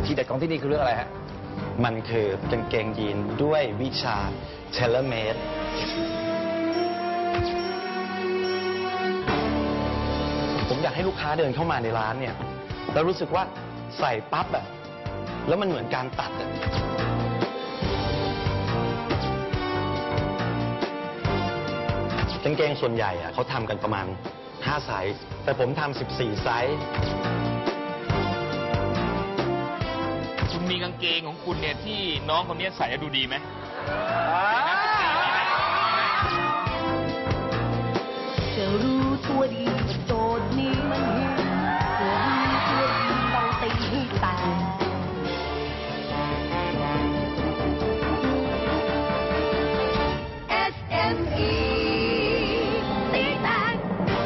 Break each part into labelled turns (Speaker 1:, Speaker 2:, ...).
Speaker 1: ทีเด็ดของที่นี่คือเรื่องอะไรฮะ
Speaker 2: มันคือกางเกงยีนด้วยวิชา tailor made ผมอยากให้ลูกค้าเดินเข้ามาในร้านเนี่ยแล้วรู้สึกว่าใส่ปั๊บอะแล้วมันเหมือนการตัดอะกางเกงส่วนใหญ่อะเขาทำกันประมาณ5 ไซส์แต่ผมทำ14 ไซส์
Speaker 3: คุณมีกางเกงของคุณเนี่ยที่น้องคนนี้ใส่ดูดีไหม
Speaker 4: จะรู้ตัวดีว่าโจทย์นี้มันหินจะรู้ตัวดีต้องตีให้แตกSME ตีแตก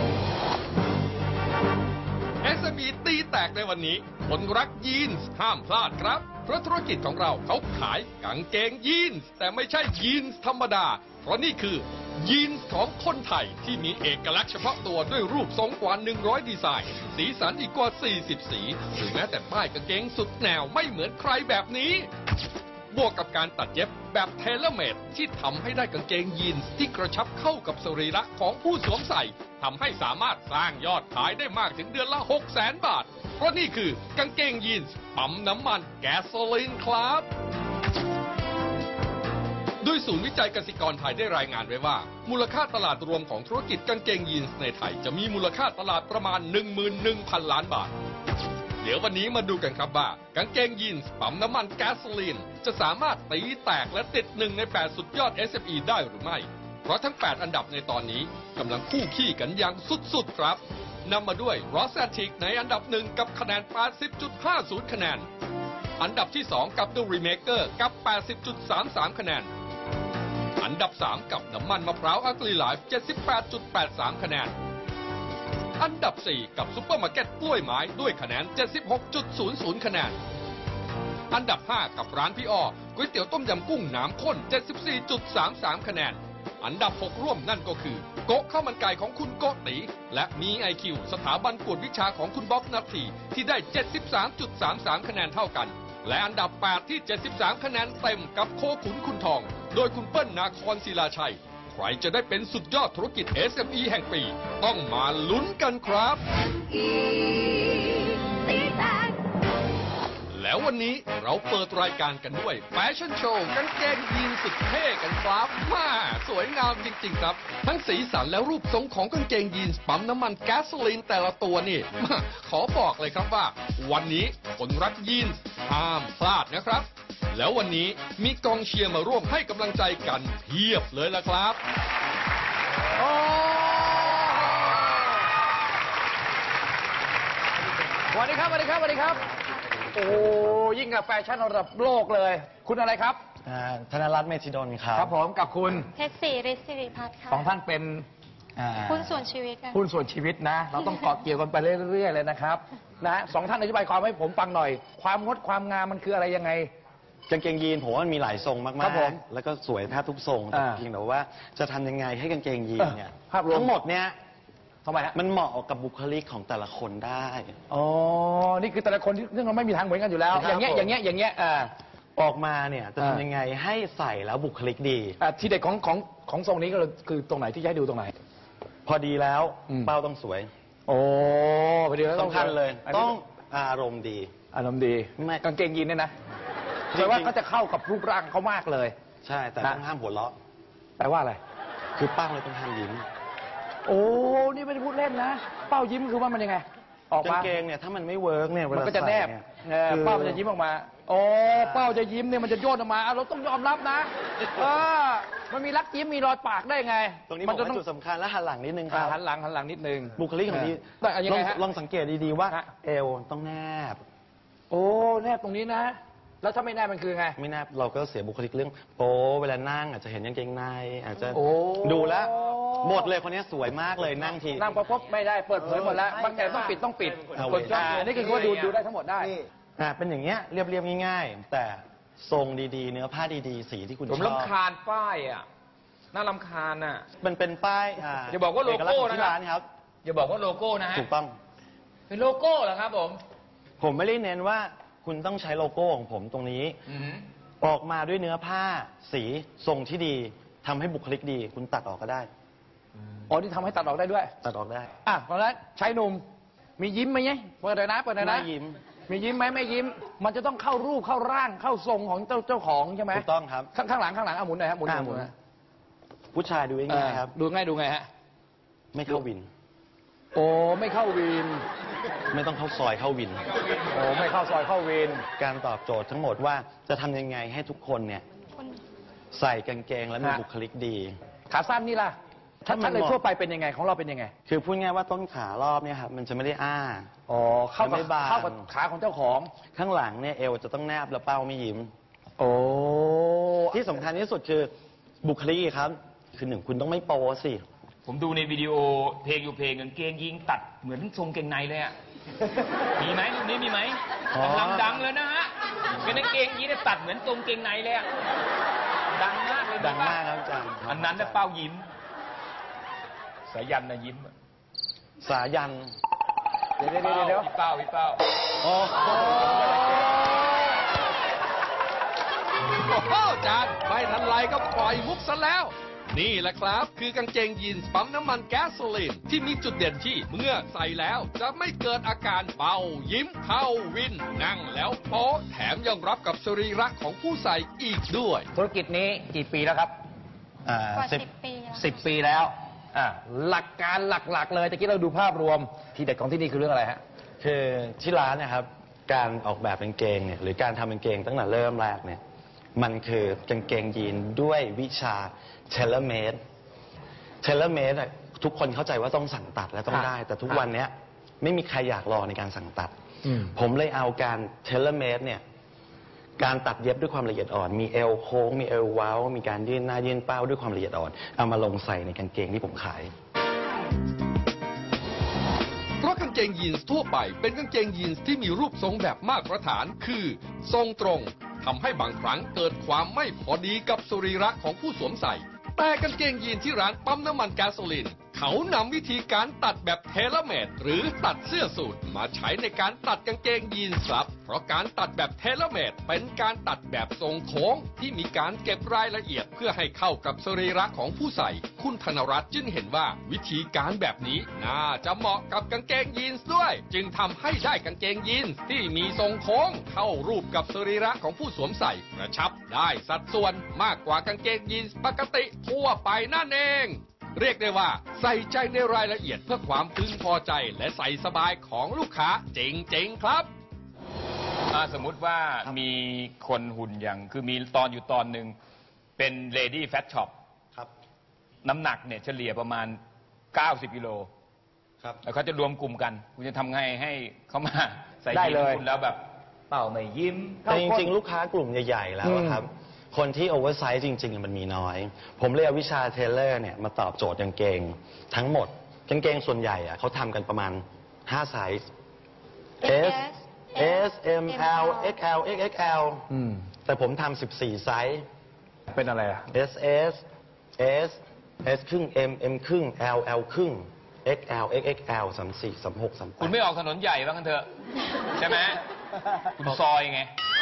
Speaker 5: SME ตีแตกในวันนี้คนรักยีนส์ห้ามพลาดครับเพราะธุรกิจของเราเขาขายกางเกงยีนส์แต่ไม่ใช่ยีนส์ธรรมดาเพราะนี่คือยีนส์ของคนไทยที่มีเอกลักษณ์เฉพาะตัวด้วยรูปทรงกว่า100 ดีไซน์สีสันอีกกว่า40 สีหรือแม้แต่ป้ายกางเกงสุดแนวไม่เหมือนใครแบบนี้บวกกับการตัดเย็บแบบเทเลเมดที่ทำให้ได้กางเกงยีนส์ที่กระชับเข้ากับสรีระของผู้สวมใส่ทำให้สามารถสร้างยอดขายได้มากถึงเดือนละ 600,000 บาทเพราะนี่คือกางเกงยีนส์ปั๊มน้ำมันแก๊สโซลีนครับโดยศูนย์วิจัยกสิกรไทยได้รายงานไว้ว่ามูลค่าตลาดรวมของธุรกิจกางเกงยีนส์ในไทยจะมีมูลค่าตลาดประมาณ 11,000 ล้านบาทเดี๋ยววันนี้มาดูกันครับว่ากางเกงยีนส์ปั๊มน้ำมันแก๊สโซลีนจะสามารถตีแตกและติด1 ใน 8 สุดยอด SME ได้หรือไม่เพราะทั้ง 8 อันดับในตอนนี้กำลังคู่ขี้กันอย่างสุดๆครับนำมาด้วย Rosatic ในอันดับ1กับคะแนน 80.50 คะแนนอันดับที่ 2 กับ The Remaker กับ 80.33 คะแนนอันดับ 3 กับน้ำมันมะพร้าวอักลีไลฟ์ 78.83 คะแนนอันดับ 4 กับซุปเปอร์มาร์เก็ตกล้วยไม้ด้วยคะแนน 76.00 คะแนนอันดับ 5 กับร้านพี่อ้อก๋วยเตี๋ยวต้มยำกุ้งน้ำข้น 74.33 คะแนนอันดับ 6 ร่วมนั่นก็คือโกะข้าวมันไก่ของคุณโกติและมี IQ สถาบันกวดวิชาของคุณบ๊อบนัทธีที่ได้ 73.33 คะแนนเท่ากันและอันดับ 8 ที่ 73 คะแนนเต็มกับโคขุนคุณทองโดยคุณเปิ้ลนาครศิลาชัยใครจะได้เป็นสุดยอดธุรกิจ SME แห่งปีต้องมาลุ้นกันครับแล้ววันนี้เราเปิดรายการกันด้วยแฟชั่นโชว์กางเกงยีนสุดเท่กันครับมาสวยงามจริงๆครับทั้งสีสันและรูปทรงของกางเกงยีนส์ปั๊มน้ำมันแก๊สโซลีนแต่ละตัวนี่ขอบอกเลยครับว่าวันนี้คนรักยีนส์ห้ามพลาดนะครับแล้ววันนี้มีกองเชียร์มาร่วมให้กำลังใจกันเพียบเลยล่ะครับ
Speaker 1: สวัสดีครับสวัสดีครับสวัสดีครับโอ้ยิ่งกับแฟชั่นระดับโลกเลยคุณอะไรครับ
Speaker 2: ธนรัตน์เมธิดลครับ
Speaker 1: ครับผมกับคุณ
Speaker 6: เพชรศรีฤทธิ์สิริพัฒน์ค่ะ
Speaker 1: สองท่านเป็น
Speaker 6: หุ้นส่วนชีวิตกัน
Speaker 1: หุ้นส่วนชีวิตนะเราต้องเกาะเกี่ยวกันไปเรื่อยๆเลยนะครับนะสองท่านอธิบายความให้ผมฟังหน่อยความงดความงามมันคืออะไรยังไง
Speaker 2: กางเกงยีนผมว่ามันมีหลายทรงมากๆแล้วก็สวยแทบทุกทรงแต่เพียงแต่ว่าจะทำยังไงให้กางเกงยีนเนี่ยทั้งหมดเนี่ย
Speaker 1: ทำไมฮะ
Speaker 2: มันเหมาะกับบุคลิกของแต่ละคนได้
Speaker 1: อ๋อนี่คือแต่ละคนที่ซึ่งเราไม่มีทางเหมือนกันอยู่แล้วอย่างเงี้ย
Speaker 2: ออกมาเนี่ยจะทำยังไงให้ใส่แล้วบุคลิกดี
Speaker 1: ทีเด็ดของทรงนี้ก็คือตรงไหนที่จะให้ดูตรงไหน
Speaker 2: พอดีแล้วเป้าต้องสวย
Speaker 1: โอ้พอดีแล้ว
Speaker 2: สำคัญเลยต้องอารมณ์ดี
Speaker 1: กางเกงยีนเนี่ยนะแปลว่าก็จะเข้ากับรูปร่างเขามากเลย
Speaker 2: ใช่แต่ต้องห้ามหัวเราะ
Speaker 1: แปลว่าอะไร
Speaker 2: คือเป้าเลยต้องห้ามยิ้ม
Speaker 1: โอ้นี่ไม่ได้พูดเล่นนะเป้ายิ้มคือว่ามันยังไงออกมาก
Speaker 2: างเกงเนี่ยถ้ามันไม่เวิร์กเนี่ย
Speaker 1: มันก็จะแนบเป้ามันจะยิ้มออกมาโอ้เป้าจะยิ้มเนี่ยมันจะโยนออกมาเราต้องยอมรับนะมันมีรักยิ้มมีรอยปากได้ไง
Speaker 2: ตรงนี้มันจุดสำคัญและหันหลังนิดนึงครับ
Speaker 1: หันหลังนิดนึง
Speaker 2: บุคลิกของดีลองสังเกตดีๆว่าเอวต้องแนบ
Speaker 1: โอ้แนบตรงนี้นะแล้วถ้าไม่แนบมันคือไง
Speaker 2: ไม่แนบเราก็เสียบุคลิกเรื่องโป๊เวลานั่งอาจจะเห็นกางเกงในอาจจะดูแล้วหมดเลยคนนี้สวยมากเลยนั่งที
Speaker 1: นั่งพบไม่ได้เปิดเผยหมดแล้วบางแต่ต้องปิดคนจ้องนี่คือว่าดูได้ทั้งหมดได้
Speaker 2: เป็นอย่างเงี้ยเรียบๆง่ายๆแต่ทรงดีๆเนื้อผ้าดีๆสีที่คุณชอบ
Speaker 3: ผมรำคาญป้ายอ่ะน่ารำคาญอ่ะ
Speaker 2: มันเป็นป้าย
Speaker 3: อย่าบอกว่าโลโก้นะครับอย่าบอกว่าโลโก้นะฮะ
Speaker 2: ถูกต้อง
Speaker 3: เป็นโลโก้เหรอครับผม
Speaker 2: ไม่ได้เน้นว่าคคุณต้องใช้โลโก้ของผมตรงนี้ ออกมาด้วยเนื้อผ้าสีทรงที่ดีทำให้บุคลิกดี คุณตัดออกก็ได้
Speaker 1: อ๋อที่ทำให้ตัดออกได้ด้วย
Speaker 2: ตัดออกได้
Speaker 1: เพราะฉะนั้นชายหนุ่มมียิ้มไหมเนี่ยเปิดเลยนะเปิดเลยนะ
Speaker 2: ไม่ยิ้ม
Speaker 1: มียิ้มไหมไม่ยิ้ม มันจะต้องเข้ารูปเข้าร่างเข้าทรงของเจ้าของใช่ไหม
Speaker 2: ถูกต้องครับ
Speaker 1: ข้างหลังเอาหมุนหน่อยครับหมุน
Speaker 2: หมุน ผู้ชายดูง่ายๆครับ
Speaker 1: ดูไงฮะ
Speaker 2: ไม่เข้าวิน
Speaker 1: โอ้ไม่เข้าวิน
Speaker 2: ไม่ต้องเข้าซอยเข้าวิน
Speaker 1: โอ้ไม่เข้าซอยเข้าวิน
Speaker 2: การตอบโจทย์ทั้งหมดว่าจะทำยังไงให้ทุกคนเนี่ย
Speaker 6: คุณ
Speaker 2: ใส่กางเกงและมี
Speaker 1: ฮะ
Speaker 2: บุคลิกดี
Speaker 1: ขาสั้นนี่ล่ะ
Speaker 2: ถ้ามัน
Speaker 1: ถ้าเลยทั่วไปเป็นยังไงของเราเป็นยังไง
Speaker 2: คือพูดง่ายว่าต้นขารอบเนี่ยครับมันจะไม่ได้อ้า
Speaker 1: อ๋อเข้า
Speaker 2: ไม่บาง
Speaker 1: กับขาของเจ้าของ
Speaker 2: ข้างหลังเนี่ยเอวจะต้องแนบและเป้าไม่ยิ้ม
Speaker 1: โอ้
Speaker 2: ที่สำคัญที่สุดคือบุคลิกครับ คือหนึ่งคุณต้องไม่โป๊สิ
Speaker 3: ผมดูในวิดีโอเพลงอยู่เพลงกางเกงยีนตัดเหมือนทรงเกงในเลยอ่ะ มีไหมรูปนี้มีไหม
Speaker 2: อ๋อ
Speaker 3: กำลังดังเลยนะฮะเป็นกางเกงยีนตัดเหมือนทรงเกงในเลยอ่ะ ดังมากเลย
Speaker 2: ดังมากครับอาจารย์
Speaker 3: อันนั้นน่ะเป้ายิ้ม สายันนะยิ้ม
Speaker 2: สายัน
Speaker 1: เดี๋ยว
Speaker 3: พี่เป้า
Speaker 2: โอ้โห
Speaker 5: โอ้โหอาจารย์ไม่ทันไรก็ปล่อยมุกซะแล้ว นี่แหละครับ คือกางเกงยีนส์ปั๊มน้ำมันแก๊สโซลีนที่มีจุดเด่นที่เมื่อใส่แล้วจะไม่เกิดอาการเป่ายิ้มเข้าวิน นั่งแล้วโป๊ะแถมยังรับกับสรีระของผู้ใส่อีกด้วย
Speaker 1: ธุรกิจนี้กี่ปีแล้วครับ
Speaker 6: กว่า
Speaker 2: สิบ
Speaker 6: 10 ปีแล้ว
Speaker 1: 10 ปีแล้วหลักการหลักๆเลยตะกี้เราดูภาพรวมที่เด็ดของที่นี่คือเรื่องอะไรฮะ
Speaker 2: คือที่ร้านเนะครับ การออกแบบกางเกงเนี่ยหรือการทำกางเกงตั้งแต่เริ่มแรกเนี่ยมันคือกางเกงยีนด้วยวิชาเทเลเมดทุกคนเข้าใจว่าต้องสั่งตัดและต้องได้ แต่ทุกวันเนี้ยไม่มีใครอยากรอในการสั่งตัด ผมเลยเอาการเทเลเมดเนี่ยการตัดเย็บด้วยความละเอียดอ่อน มีเอวโค้งมีเอวเว้ามีการยื่นหน้ายื่นเป้าด้วยความละเอียดอ่อนเอามาลงใส่ในกางเกงที่ผมขาย
Speaker 5: เพราะกางเกงยีนส์ทั่วไปเป็นกางเกงยีนส์ที่มีรูปทรงแบบมาตรฐานคือ ทรงตรงทำให้บางครั้งเกิดความไม่พอดีกับสรีระของผู้สวมใส่ แต่กางเกงยีนที่ร้านปั๊มน้ำมันแก๊สโซลีนเขานำวิธีการตัดแบบเทเลเมดหรือตัดเสื้อสูทมาใช้ในการตัดกางเกงยีนส์ครับเพราะการตัดแบบเทเลเมดเป็นการตัดแบบทรงโค้งที่มีการเก็บรายละเอียดเพื่อให้เข้ากับสรีระของผู้ใส่คุณธนรัตน์จึงเห็นว่าวิธีการแบบนี้น่าจะเหมาะกับกางเกงยีนส์ด้วย จึงทำให้ได้กางเกงยีนส์ที่มีทรงโค้งเข้ารูปกับสรีระของผู้สวมใส่กระชับได้สัดส่วนมากกว่ากางเกงยีนส์ปกติทั่วไปนั่นเองเรียกได้ว่าใส่ใจในรายละเอียดเพื่อความพึงพอใจและใส่สบายของลูกค้าจริงๆครับ
Speaker 3: สมมุติว่ามีคนหุ่นอย่างคือมีตอนอยู่ตอนหนึ่งเป็น Lady Fat Shop
Speaker 2: ครับ
Speaker 3: น้ำหนักเนี่ยเฉลี่ยประมาณ 90 กิโล
Speaker 2: ครับ
Speaker 3: แล้วเขาจะรวมกลุ่มกัน คุณจะทำไงให้เขามาใส่
Speaker 1: ได้
Speaker 3: ยีน
Speaker 1: เลย
Speaker 3: คุณแล้วแบบเป่าไม่ยิ้ม
Speaker 2: แต่จริงๆ ลูกค้ากลุ่มใหญ่ๆ แล้วอะครับ คนที่โอเวอร์ไซส์จริงๆ มันมีน้อย ผมเลยเอาวิชาเทเลอร์เนี่ยมาตอบโจทย์กางเกงทั้งหมดกางเกงส่วนใหญ่อะเขาทำกันประมาณ 5 ไซส์ S S M L XL XXL แต่ผมทำ14 ไซส์
Speaker 1: เป็นอะไรอ่ะ
Speaker 2: S S S S ครึ่ง M M ครึ่ง L L ครึ่ง XL XXL 34 36 38
Speaker 3: คุณไม่ออกถนนใหญ่บ้างกันเถอะ ใช่ไหมคุณซอยไง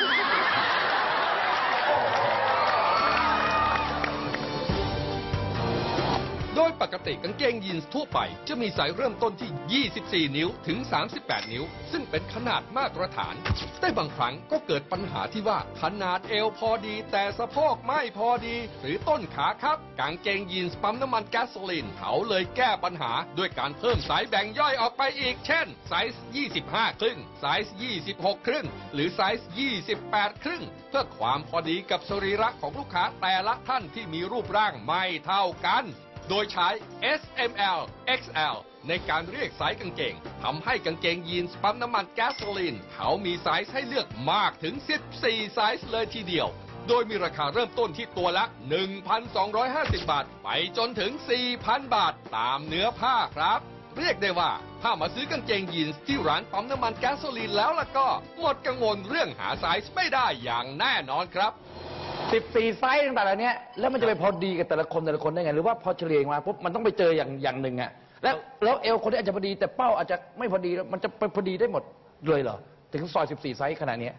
Speaker 5: โดยปกติกางเกงยีนส์ทั่วไปจะมีไซส์เริ่มต้นที่ 24 นิ้วถึง 38 นิ้ว ซึ่งเป็นขนาดมาตรฐาน แต่บางครั้งก็เกิดปัญหาที่ว่าขนาดเอวพอดีแต่สะโพกไม่พอดี หรือต้นขาครับกางเกงยีนส์ปั๊มน้ำมันแก๊สโซลีนเขาเลยแก้ปัญหาด้วยการเพิ่มไซส์แบ่งย่อยออกไปอีก เช่น ไซส์ 25 ครึ่ง ไซส์ 26 ครึ่ง หรือไซส์ 28 ครึ่ง เพื่อความพอดีกับสรีระของลูกค้าแต่ละท่านที่มีรูปร่างไม่เท่ากันโดยใช้ S M L XL ในการเรียกไซส์กางเกงทำให้กางเกงยีนส์ปั๊มน้ำมันแก๊สโซลีนเขามีไซส์ให้เลือกมากถึง 14 ไซส์เลยทีเดียว โดยมีราคาเริ่มต้นที่ตัวละ 1,250 บาท ไปจนถึง 4,000 บาทตามเนื้อผ้าครับ เรียกได้ว่าถ้ามาซื้อกางเกงยีนส์ที่ร้านปั๊มน้ำมันแก๊สโซลีนแล้วล่ะก็หมดกังวลเรื่องหาไซส์ไม่ได้อย่างแน่นอนครับ
Speaker 1: 14 ไซส์ต่างๆเหล่านี้แล้วมันจะไปพอดีกับแต่ละคนได้ไง หรือว่าพอเฉลี่ยมาปุ๊บมันต้องไปเจออย่างหนึ่งอะแล้วเอวคนที่อาจจะพอดีแต่เป้าอาจจะไม่พอดีมันจะไปพอดีได้หมดเลยเหรอถึงซอย14 ไซส์ขนาดนี้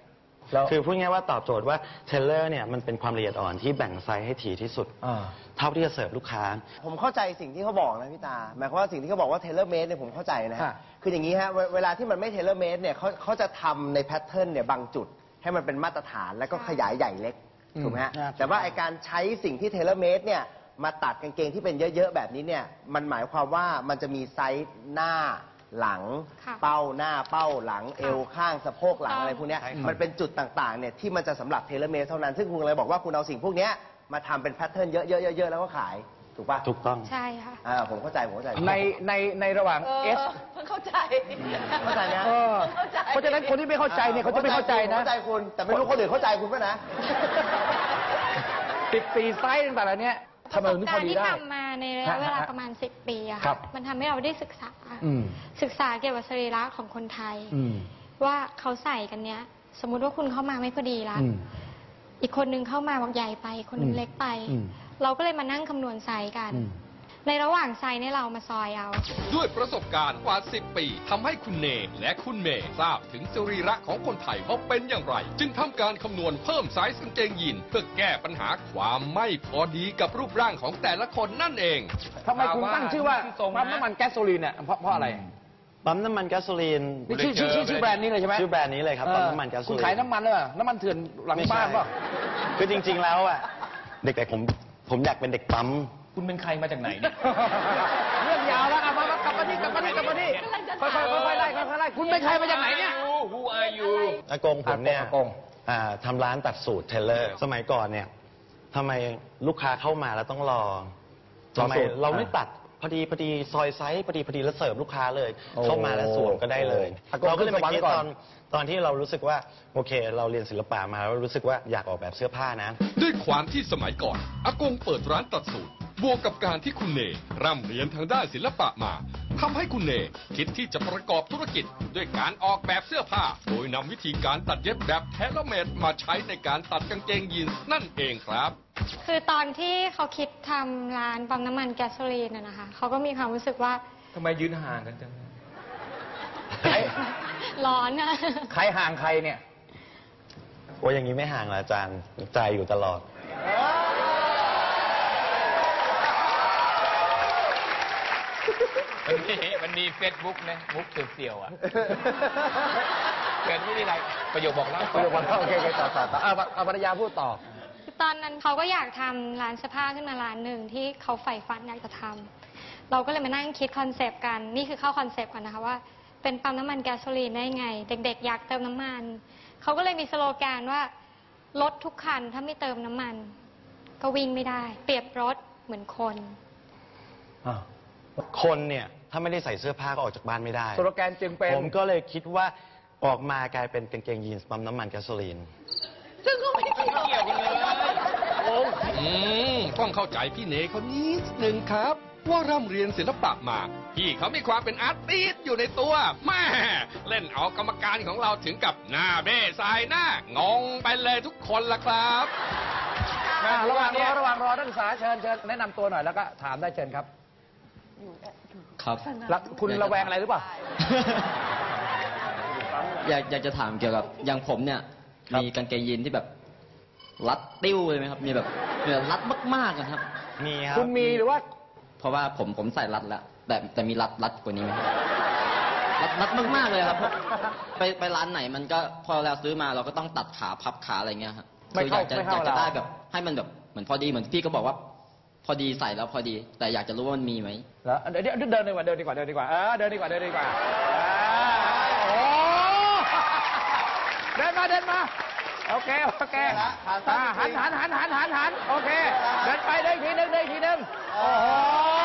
Speaker 1: แล้ว
Speaker 2: คือพูดง่ายๆว่าตอบโจทย์ว่าเทเลอร์เนี่ยมันเป็นความละเอียดอ่อนที่แบ่งไซส์ให้ถี่ที่สุด เท่าที่จะเสิร์ฟลูกค้า
Speaker 7: ผมเข้าใจสิ่งที่เขาบอกนะพี่ตาหมายความว่าสิ่งที่เขาบอกว่าเทเลอร์เมดเนี่ยผมเข้าใจนะฮะ
Speaker 1: ฮะ
Speaker 7: คืออย่างนี้ฮะเวลาที่มันไม่เทเลอร์เมดเนี่ยเขาจะทำในแพทเทิร์นเนี่ยบางจุดให้มันเป็นมาตรฐานแล้วก็ขยายใหญ่เล็กถูกไหมฮะแต่ว่าไอการใช้สิ่งที่เทเลอร์เมดเนี่ยมาตัดกางเกงที่เป็นเยอะๆแบบนี้เนี่ยมันหมายความว่ามันจะมีไซส์หน้าหลัง
Speaker 6: ค่ะ
Speaker 7: เป้าหน้าเป้าหลัง
Speaker 6: ค่ะ
Speaker 7: เอวข้างสะโพกหลังอะไรพวกเนี้ย
Speaker 3: ใช่ครับ
Speaker 7: มันเป็นจุดต่างๆเนี่ยที่มันจะสำหรับเทเลเมดเท่านั้นซึ่งคุณเลยบอกว่าคุณเอาสิ่งพวกเนี้ยมาทำเป็นแพทเทิร์นเยอะๆๆๆแล้วก็ขายถูกป่ะ
Speaker 2: ถูกต้อง
Speaker 6: ใช่ค่ะ
Speaker 7: ผมเข้าใจ
Speaker 1: ในระหว่าง S
Speaker 4: เพิ่งเข้าใจ
Speaker 7: เข้าใจนะ
Speaker 1: เออเพราะฉะนั้นคนที่ไม่เข้าใจเนี่ยเขาจะไม่เข้าใจนะ
Speaker 7: เข้าใจคุณแต่ไม่รู้คนอื่นเข้าใจคุณป่ะนะ
Speaker 1: 14 ไซส์ต่างๆเหล่านี้
Speaker 6: ป
Speaker 1: ทำ
Speaker 6: ระ
Speaker 1: ไม
Speaker 6: สบ
Speaker 1: ถึงพ
Speaker 6: กา
Speaker 1: อ
Speaker 6: รณ์
Speaker 1: ดี
Speaker 6: ที่
Speaker 1: ได้
Speaker 6: ทำมาในระยะเวลาประมาณ 10 ปีอะ
Speaker 1: ครั
Speaker 6: ค่ะ
Speaker 1: บ
Speaker 6: มันทำให้เราได้ศึกษา
Speaker 1: อืม
Speaker 6: ศึกษาเกี่ยวกับสรีระของคนไทย
Speaker 1: อืม
Speaker 6: ว่าเขาใส่กันเนี้ย สมมุติว่าคุณเข้ามาไม่พอดีละ
Speaker 1: อืม
Speaker 6: อีกคนนึงเข้ามาบอกใหญ่ไป คนนึงเล็กไป
Speaker 1: อืม
Speaker 6: เราก็เลยมานั่งคำนวณไซส์กัน
Speaker 1: อืม
Speaker 6: ในระหว่างไซส์เนี่ยเรามาซอยเอา
Speaker 5: ด้วยประสบการณ์กว่า 10 ปีทำให้คุณเนและคุณเมย์ทราบถึงสรีระของคนไทยว่าเป็นอย่างไร จึงทำการคำนวณเพิ่มไซส์กางเกงยีนเพื่อแก้ปัญหาความไม่พอดีกับรูปร่างของแต่ละคนนั่นเอง
Speaker 1: ทำไมคุณตั้งชื่อว่าปั๊มน้ำมันแก๊สโซลีนเนี่ยเพราะอะไร
Speaker 2: ปั๊มน้ำมันแก๊สโซลีน
Speaker 1: นี่ชื่อแบรนด์นี้เลยใช่ไหม
Speaker 2: ชื่อแบรนด์นี้เลยครับปั๊มน้ำมันแก๊สโซลีน
Speaker 1: คุณขายน้ำมันเลยเหรอน้ำมันเถื่อนหลังบ้านเปล่ะ
Speaker 2: คือจริงๆแล้วอ่ะเด็กๆผมอยากเป็นเด็กปั๊ม
Speaker 3: คุณเป็นใครมาจากไหนเนี่ย
Speaker 1: เรื่องยาวแล้วเอามากลับมาที่ค่อยๆไล่คุณเป็นใครมาจากไหนเนี่ย
Speaker 3: Who are you
Speaker 2: อากงผมเนี่ย
Speaker 1: อากง
Speaker 2: ทำร้านตัดสูตรเทเลอร์ สมัยก่อนเนี่ยทำไมลูกค้าเข้ามาแล้วต้องรอทำไมเราไม่ตัดพอดีซอยไซส์พอดีแล้วเสิร์ฟลูกค้าเลย เข้ามาแล้วสวมก็ได้เลย เราก็เลยมาคิดตอนที่เรารู้สึกว่าโอเค เราเรียนศิลปะมาแล้วรู้สึกว่าอยากออกแบบเสื้อผ้านะ
Speaker 5: ด้วยความที่สมัยก่อนอากงเปิดร้านตัดสูตรบวกกับการที่คุณเนร่ำเรียนทางด้านศิลปะมาทำให้คุณเนคิดที่จะประกอบธุรกิจด้วยการออกแบบเสื้อผ้า โดยนำวิธีการตัดเย็บแบบเทเลเมดมาใช้ในการตัดกางเกงยีนส์นั่นเองครับ
Speaker 6: คือตอนที่เขาคิดทำร้านปั๊มน้ำมันแก๊สโซลีนนะคะ เขาก็มีความรู้สึกว่า
Speaker 3: ทำไมยืนห่างกันจัง
Speaker 6: ร้อนอะ
Speaker 1: ใครห่างใครเนี่ย
Speaker 2: โอ้ยอย่างนี้ไม่ห่างละอาจารย์ใจอยู่ตลอด
Speaker 3: มันมีเฟซบุ๊กนะมุกเสี่ยวๆอ่ะเกิดไม่ได้ไรประโยคบอกเล่า
Speaker 1: โอเคต่อเอาภรรยาพูดต่อ
Speaker 6: ตอนนั้นเขาก็อยากทำร้านเสื้อผ้าขึ้นมาร้านหนึ่งที่เขาใฝ่ฝันอยากจะทำเราก็เลยมานั่งคิดคอนเซปต์กัน นี่คือเข้าคอนเซปต์ก่อนนะคะว่าเป็นปั๊มน้ำมันแก๊สโซลีนได้ไง เด็กๆ อยากเติมน้ำมัน เขาก็เลยมีสโลแกนว่ารถทุกคันถ้าไม่เติมน้ำมัน ก็วิ่งไม่ได้ เปรียบรถเหมือนคน
Speaker 2: คนเนี่ยถ้าไม่ได้ใส่เสื้อผ้าก็ออกจากบ้านไม่ได้
Speaker 1: สโลแกนจึงเป็น
Speaker 2: ผมก็เลยคิดว่าออกมากลายเป็นกางเกงยีนส์ปั๊มน้ำมันแก๊สโซลีน
Speaker 4: ซึ่งก็ไม่เกี่ยวกันเลย
Speaker 5: ต้องเข้าใจพี่เนเขานิดหนึ่งครับ ว่าร่ำเรียนศิลปะมา พี่เขามีความเป็นอาร์ติสต์อยู่ในตัวแม่เล่นเอากรรมการของเราถึงกับหน้าเบ้สายหน้างงไปเลยทุกคนละครับ
Speaker 1: ระหว่างรอนักศึกษาเชิญแนะนำตัวหน่อยแล้วก็ถามได้เชิญครับ
Speaker 8: ครับ
Speaker 1: แล้วคุณระแวงอะไรหรือเปล่า
Speaker 8: อยากจะถามเกี่ยวกับอย่างผมเนี่ย
Speaker 2: ครับ
Speaker 8: มีกางเกงยีนที่แบบรัดติ้วเลยไหมครับ มีแบบรัดมากๆนะครับ
Speaker 2: มีครับ
Speaker 1: คุณมีหรือว่า
Speaker 8: เพราะว่าผมใส่รัดแล้วแต่มีรัดกว่านี้ไหมครับรัดมากๆเลยครับไปร้านไหนมันก็พอเราซื้อมาเราก็ต้องตัดขาพับขาอะไรเงี้ยครับ
Speaker 1: ไม่
Speaker 8: คือ
Speaker 1: เข้า
Speaker 8: อยาก
Speaker 1: ไม่เข้า
Speaker 8: จะได้
Speaker 1: เรา
Speaker 8: แบบให้มันแบบเหมือนพอดีเหมือนพี่ก็บอกว่า พอดีใส่แล้วพอดี แต่อยากจะรู้ว่ามันมีไหม
Speaker 1: แล้วเดี๋ยวเดินดีกว่าเดินดีกว่าเดินดีกว่าเดินดีกว่าโอ้เดินมาโอเคหันโอเคเดินไปเดินอีกทีนึงโอ้โห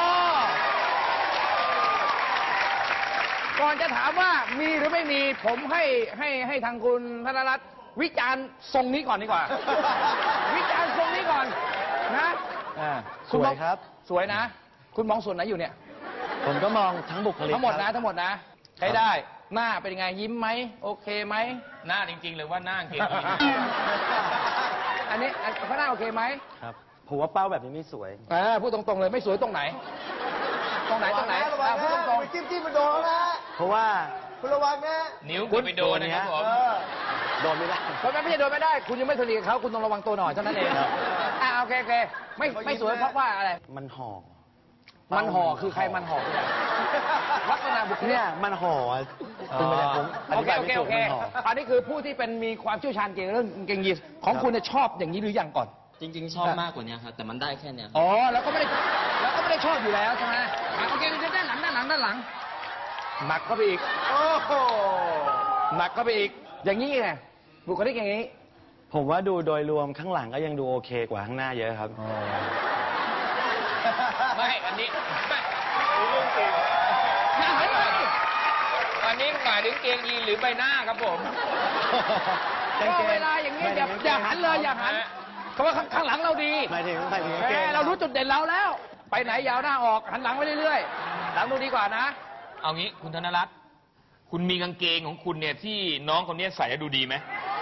Speaker 1: ก่อนจะถามว่ามีหรือไม่มีผมให้ทางคุณธนรัตน์วิจารณ์ทรงนี้ก่อนดีกว่า วิจารณ์ทรงนี้ก่อนนะ
Speaker 2: สวยครับ
Speaker 1: สวยนะ คุณมองส่วนไหนอยู่เนี่ย
Speaker 2: ผมก็มองทั้งบุคลิก
Speaker 1: ทั้งหมด
Speaker 2: ค
Speaker 1: นะ
Speaker 2: รับ
Speaker 1: ทั้งหมดนะใช้ได้ หน้าเป็นยังไงยิ้มไหมโอเคไหม
Speaker 3: หน้าจริงๆหรือว่าหน้ากางเกงยีน
Speaker 1: อันนี้เขาหน้าโอเคไหม
Speaker 2: ครับผมว่าเป้าแบบนี้ไม่สวย
Speaker 1: พูดตรงๆเลยไม่สวยตรงไหน ตรงไหนพูดตรง
Speaker 7: จิ้มมันโดนนะ
Speaker 2: เพราะว่า
Speaker 7: คุณระวังนะ
Speaker 3: นิ้วคุณไปโดนนะครับผม
Speaker 2: คโดนไม่ได้
Speaker 1: ไม่ใช่โดนไม่ได้ คุณยังไม่สนิทกับเขาคุณต้องระวังตัวหน่อยเท่านั้นเองโอเคไม่สวยเพราะว่าอะไร
Speaker 2: มันห่อ
Speaker 1: มันห่อคือใครมันห่อคืออะไรลักษณะบุคลิก
Speaker 2: เนี่ยมันห่อเป็นไปได้ผมอ
Speaker 1: โอ
Speaker 2: ธิ
Speaker 1: เค
Speaker 2: บาย
Speaker 1: โอ
Speaker 2: ไม่
Speaker 1: เค
Speaker 2: ถู
Speaker 1: โอก เค
Speaker 2: มันห่อ
Speaker 1: อันนี้คือผู้ที่เป็นมีความเชี่ยวชาญเกี่ยวกับเรื่องกางเกงยีนส์ของคุณเนี่ยชอบอย่างนี้หรือยังก่อน
Speaker 8: จริง ๆ ชอบมากกว่านี้ครับแต่มันได้แค่เนี้ยครับ
Speaker 1: อ๋อแล้วก็ไม่ได้ชอบอยู่แล้วใช่ไหมโอเคด้านหลังหนักเข้าไปอีกโอ้โหหนักเข้าไปอีกอย่างนี้ไงบุคลิกอย่างนี้
Speaker 2: ผมว่าดูโดยรวมข้างหลังก็ยังดูโอเคกว่าข้างหน้าเยอะครับ
Speaker 3: ไม่อันนี้ไม่เรื่องจริงอันนี้หมายถึงเกงยีนหรือใบหน้าครับผม
Speaker 1: ก็เวลาอย่างนี้อย่าหันเลยอย่าหันเพราะว่าข้างหลังเราดี
Speaker 2: หมายถึงกางเกง
Speaker 1: เรารู้จุดเด่นเราแล้ว ไปไหนยาวหน้าออกหันหลังไปเรื่อยๆหลังดูดีกว่านะ
Speaker 3: เอางี้คุณธนรัตน์คุณมีกางเกงของคุณเนี่ยที่น้องคนนี้ใส่แล้วดูดีไหม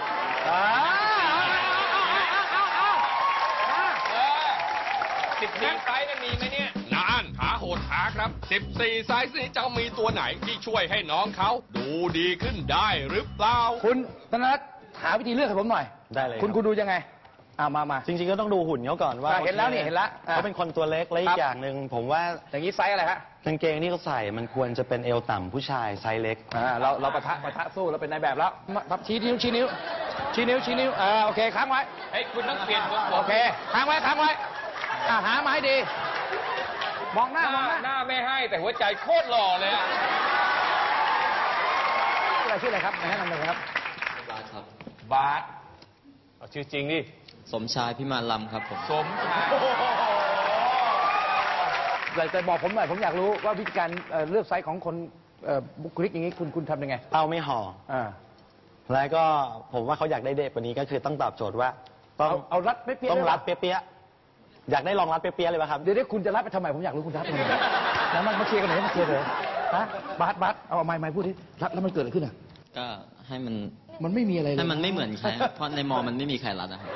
Speaker 3: 14 ไซส์นั่นมีไหมเนี่ย
Speaker 5: นานหาโหดหาครับ 14 ไซส์นี้จะมีตัวไหนที่ช่วยให้น้องเขาดูดีขึ้นได้หรือเปล่า
Speaker 1: คุณธนรัตน์หาวิธีเลือกให้ผมหน่อย
Speaker 2: ได้เลย
Speaker 1: คุณดูยังไงมา
Speaker 2: จริงๆก็ต้องดูหุ่นเขาก่อนว่า
Speaker 1: เห็นแล้วนี่เห็นแล้ว
Speaker 2: เขาเป็นคนตัวเล็กและอีกอย่างหนึ่งผมว่า
Speaker 1: อย่างนี้ไซส์อะไรฮะ
Speaker 2: กางเกงที่เขาใส่มันควรจะเป็นเอวต่ำผู้ชายไซส์เล็ก
Speaker 1: เราปะทะสู้เราเป็นนายแบบแล้วชี้นิ้วโอเคค้างไว้
Speaker 3: เฮ้ยคุณต้องเปลี่ยนตัว
Speaker 1: โอเคค้างไว้หามาให้ดีมองหน้า
Speaker 3: หน้าไม่ให้แต่หัวใจโคตรหล่อเลยอะ
Speaker 1: ชื่ออะไรครับแนะนำเลยครับ
Speaker 8: บาสครับ
Speaker 3: บาสเอาชื่อจริงดิ
Speaker 8: สมชายพิมานลำครับผม
Speaker 3: สมชาย
Speaker 1: แต่บอกผมหน่อยผมอยากรู้ว่าวิธีการเลือกไซส์ของคนบุคลิกอย่างนี้คุณทำยังไง
Speaker 2: เอาไม่ห่อ แล้วก็ผมว่าเขาอยากได้เด็กกว่านี้ก็คือต้องตอบโจทย์ว่าต้อง
Speaker 1: เอารัดเปี้ยๆ
Speaker 2: ต้องรัดเปี้ยๆอยากได้ลองรัดเปี้ยๆเลยป่ะครับ
Speaker 1: เดี๋ยวคุณจะรัดไปทำไมผมอยากรู้คุณรัดทำไมแล้วมันมาเคลียร์กันหน่อยมาเคลียร์เลยฮะบาสเอาไม้พูดดิรัดแล้วมันเกิดอะไรขึ้นอ่ะ
Speaker 8: ก็ให้มัน
Speaker 1: มันไม่มีอะไรเลย
Speaker 8: ให้มันไม่เหมือนใครครับเพราะในมอมันไม่มีใครรัดนะครับ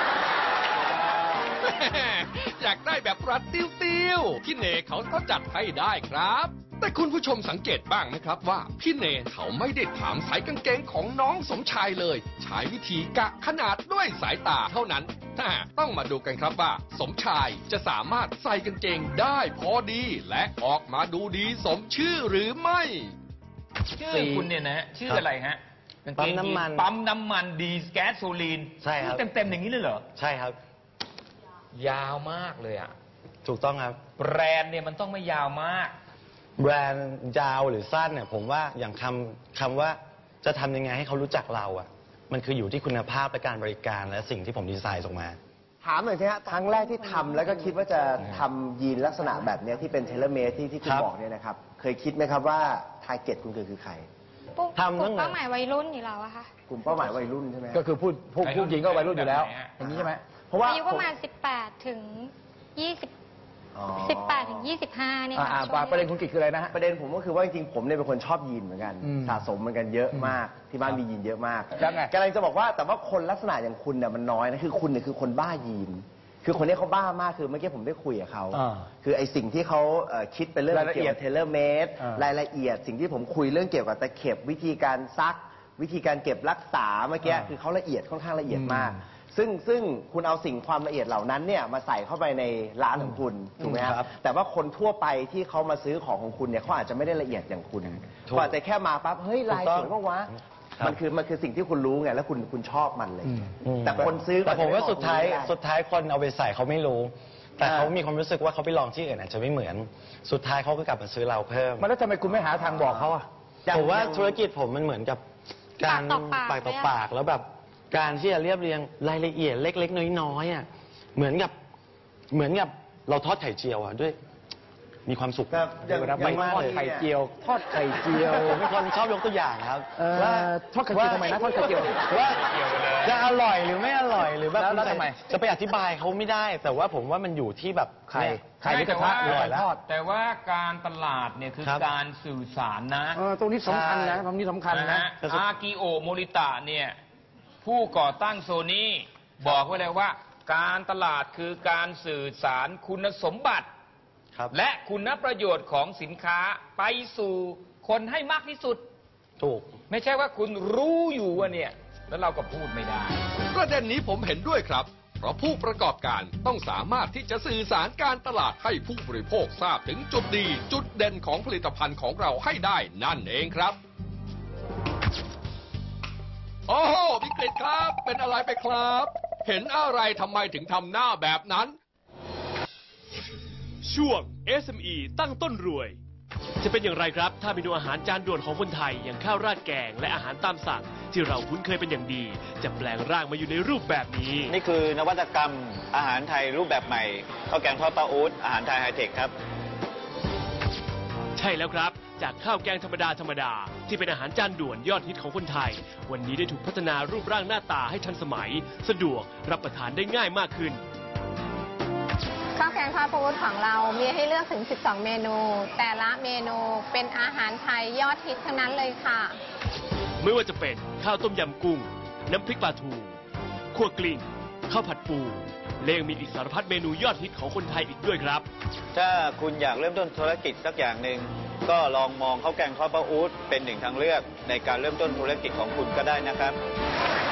Speaker 5: อยากได้แบบรัดติ้วๆพี่เนเขาก็จัดให้ได้ครับ แต่คุณผู้ชมสังเกตบ้างไหมครับว่าพี่เนเขาไม่ได้ถามสายกางเกงของน้องสมชายเลย ใช้วิธีกะขนาดด้วยสายตาเท่านั้นต้องมาดูกันครับว่า สมชายจะสามารถใส่กางเกงได้พอดี และออกมาดูดีสมชื่อหรือไม่
Speaker 3: ชื่อคุณเนี่ยนะชื่ออะไรฮะ
Speaker 2: ปั๊มน้ำมัน
Speaker 3: ปั๊มน้ำมันดีแก๊สโซลีน
Speaker 2: ใช่ครับ
Speaker 3: เต็มอย่างนี้เลยเหรอ
Speaker 2: ใช่ครับ
Speaker 3: ยาวมากเลยอ่ะ
Speaker 2: ถูกต้องครับ
Speaker 3: แบรนด์เนี่ยมันต้องไม่ยาวมาก
Speaker 2: แบรนด์ยาวหรือสั้นเนี่ยผมว่าอย่างคำว่าจะทำยังไงให้เขารู้จักเราอ่ะ มันคืออยู่ที่คุณภาพและการบริการและสิ่งที่ผมดีไซน์ออกมา
Speaker 7: ถามหน่อยสิฮะครั้งแรกที่ทำแล้วก็คิดว่าจะทำยีนลักษณะแบบเนี้ยที่เป็นเทเลเมตที่คุณ
Speaker 2: ครับ
Speaker 7: บอกเนี่ยนะครับ เคยคิดไหมครับว่าทาร์เก็ตคุณคือใคร
Speaker 2: ทำตั้งแต่
Speaker 6: เป้าหมายวัยรุ่นอยู่แล้วอะค่ะ
Speaker 7: กลุ่มเป้าหมายวัยรุ่นใช่ไหมฮะ
Speaker 1: ก็คือพูดหญิงก็วัยรุ่นอยู่แล้ว อย่างนี้ใช่ไหม
Speaker 7: เพราะว่า
Speaker 6: อายุประมาณ 18 ถึง 20
Speaker 7: อ๋อ
Speaker 6: 18 ถึง 25 เนี่ยค่ะช่วง
Speaker 1: ประเด็นคุณกิจคืออะไรนะฮะ
Speaker 7: ประเด็นผมก็คือว่าจริงๆผมเนี่ยเป็นคนชอบยีนเหมือนกัน
Speaker 1: อืม
Speaker 7: สะสมเหมือนกันเยอะมากที่บ้านมียีนเยอะมาก
Speaker 1: ยังไง
Speaker 7: กำลังจะบอกว่าแต่ว่าคนลักษณะอย่างคุณเนี่ยมันน้อยนะคือคุณเนี่ยคือคนบ้ายีน คือคนนี้เขาบ้ามากคือเมื่อกี้ผมได้คุยกับเขา คือไอสิ่งที่เขาคิดเป็นเรื่อง
Speaker 1: รายละเอียด
Speaker 7: เกี่ยวกับเทเลเมต รายละเอียด สิ่งที่ผมคุยเรื่องเกี่ยวกับตะเข็บวิธีการซัก วิธีการเก็บรักษาเมื่อกี้คือเขาละเอียดค่อนข้างละเอียดมาก ซึ่งคุณเอาสิ่งความละเอียดเหล่านั้นเนี่ยมาใส่เข้าไปในร้านของคุณถูกไหมครับแต่ว่าคนทั่วไปที่เขามาซื้อของของคุณเนี่ยเขาอาจจะไม่ได้ละเอียดอย่างคุณเขาอาจจะแค่มาปั๊บเฮ้ยลายสวยมากวะมันคือสิ่งที่คุณรู้ไงแล้วคุณชอบมันเลย แต่คนซื้อ
Speaker 2: แต่ผมว่าสุดท้าย
Speaker 7: ไม่ได้
Speaker 2: สุดท้ายคนเอาไปใส่เขาไม่รู้ แต่เขามีความรู้สึกว่าเขาไปลองที่อื่นอาจจะไม่เหมือน สุดท้ายเขาก็กลับมาซื้อเราเพิ่ม
Speaker 1: มันแล้วทำไมคุณไม่หาทางบอกเขาอ่ะ
Speaker 2: ผมว่าธุรกิจผมมันเหมือนกับการ
Speaker 6: ปากต่อปาก
Speaker 2: ต่อปากแล้วแบบการที่จะเรียบเรียงรายละเอียดเล็กๆน้อยๆอ่ะเหมือนกับเราทอดไข่เจียวอ่ะด้วย มีความสุข
Speaker 7: ครับอย่าง
Speaker 1: ไม่
Speaker 7: อย่าง
Speaker 1: ทอดไข่เจียว ทอดไข่เจียว
Speaker 2: ผมเป็นคนชอบยกตัวอย่างครับ
Speaker 1: ว่าทอดไข่เจียวทำไมนะทอดไข่เจียว
Speaker 2: ว่าจะอร่อยหรือไม่อร่อยหรือแบบ
Speaker 1: แล้วทำไม
Speaker 2: จะไปอธิบายเขาไม่ได้ แต่ว่าผมว่ามันอยู่ที่แบบ
Speaker 1: ไข่ในกระทะ
Speaker 3: แต่
Speaker 1: อ
Speaker 3: ว่า
Speaker 1: ร่อยแล้ว
Speaker 3: แต่ว่าการตลาดเนี่ยคือ
Speaker 2: ครับ
Speaker 3: การสื่อสารนะ
Speaker 1: ตรงนี้สำคัญนะตรงนี้สำคัญ
Speaker 3: นะ
Speaker 1: นะ
Speaker 3: ฮะอากิโอโมริตะเนี่ยผู้ก่อตั้งโซนี่บอกไว้เลยว่า การตลาดคือการสื่อสารคุณสมบัติ
Speaker 2: ครับ
Speaker 3: และคุณประโยชน์ของสินค้าไปสู่คนให้มากที่สุด
Speaker 2: ถูก
Speaker 3: ไม่ใช่ว่าคุณรู้อยู่ว่าเนี่ยแล้วเราก็พูดไม่ได้
Speaker 5: ประเด็นนี้ผมเห็นด้วยครับ เพราะผู้ประกอบการต้องสามารถที่จะสื่อสารการตลาดให้ผู้บริโภคทราบถึงจุดดี จุดเด่นของผลิตภัณฑ์ของเราให้ได้นั่นเองครับ โอ้โหพี่กฤษครับ เป็นอะไรไปครับ เห็นอะไรทำไมถึงทำหน้าแบบนั้น
Speaker 9: ช่วง SME ตั้งต้นรวย จะเป็นอย่างไรครับถ้าเมนูอาหารจานด่วนของคนไทยอย่างข้าวราดแกงและอาหารตามสั่งที่เราคุ้นเคยเป็นอย่างดี จะแปลงร่างมาอยู่ในรูปแบบนี้
Speaker 10: นี่คือนวัตกรรมอาหารไทยรูปแบบใหม่ข้าวแกงทอดป้าอู๊ดอาหารไทยไฮเทคครับ
Speaker 9: ใช่แล้วครับ จากข้าวแกงธรรมดาที่เป็นอาหารจานด่วนยอดฮิตของคนไทย วันนี้ได้ถูกพัฒนารูปร่างหน้าตาให้ทันสมัย สะดวกรับประทานได้ง่ายมากขึ้น
Speaker 11: ข้าวแกงทอดปูของเรามีให้เลือกถึง 12 เมนู แต่ละเมนูเป็นอาหารไทยยอดฮิตทั้งนั้นเลยค่ะ
Speaker 9: ไม่ว่าจะเป็นข้าวต้มยำกุ้ง น้ำพริกปลาทูคั่วกลิ้งข้าวผัดปูและยังมีอีกสารพัดเมนูยอดฮิตของคนไทยอีกด้วยครับ
Speaker 10: ถ้าคุณอยากเริ่มต้นธุรกิจสักอย่างหนึ่งก็ลองมองข้าวแกงทอดป้าอู๊ดเป็นหนึ่งทางเลือกในการเริ่มต้นธุรกิจของคุณก็ได้นะครับ